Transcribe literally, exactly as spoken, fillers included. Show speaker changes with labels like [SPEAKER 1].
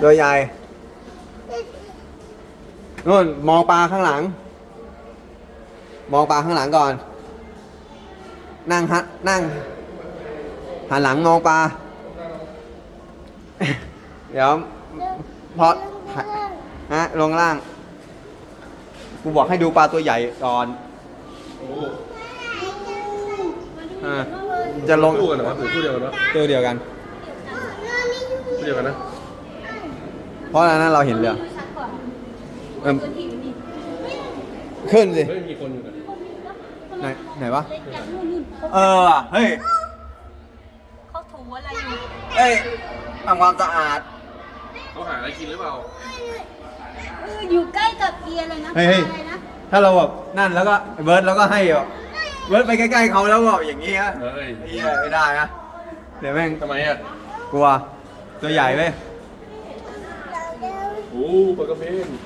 [SPEAKER 1] ตัวใหญ่นู่นมองปลาข้างหลัง มองปลาข้างหลังก่อน นั่งฮะนั่งหันหลังมองปลา เดี๋ยวพอฮะลงล่าง กูบอกให้ดูปลาตัวใหญ่ก่อน
[SPEAKER 2] โอ้
[SPEAKER 1] อ่าจะลง
[SPEAKER 2] คู่กันเหรอครับหรือคู่เดียวกันวะ
[SPEAKER 1] ตัวเดียวกัน
[SPEAKER 2] คู่เดียวกันนะ
[SPEAKER 1] เพราะอันนั้นเราเห็นเรือเอิ่มขึ้นสิ
[SPEAKER 2] เฮ้ยมีคนอยู่กัน
[SPEAKER 1] ไหนไหนวะ เออว่ะเฮ้ย
[SPEAKER 3] เขาถูอะไรอยู่
[SPEAKER 1] เอ้ยทำความสะอาด
[SPEAKER 2] เขาหาอะไรกินหรือเปล่า
[SPEAKER 3] เอออยู่ใกล้กับเอียเลยนะ
[SPEAKER 1] เฮ้ยเฮ้ย
[SPEAKER 3] อะไรนะ
[SPEAKER 1] ถ้าเราแบบนั่นแล้วก็เบิร์ดแล้วก็ให้แบบเบิร์ดไปใกล้ๆเขาแล้วแบบอย่างนี้ฮะ
[SPEAKER 2] เฮ้ย
[SPEAKER 1] เหี้ยไม่ได้นะเดี๋ยวแม่ง
[SPEAKER 2] ทำไมอ่ะ
[SPEAKER 1] กลัวตัวใหญ่เว้ย
[SPEAKER 2] โอ้ปลากระเบน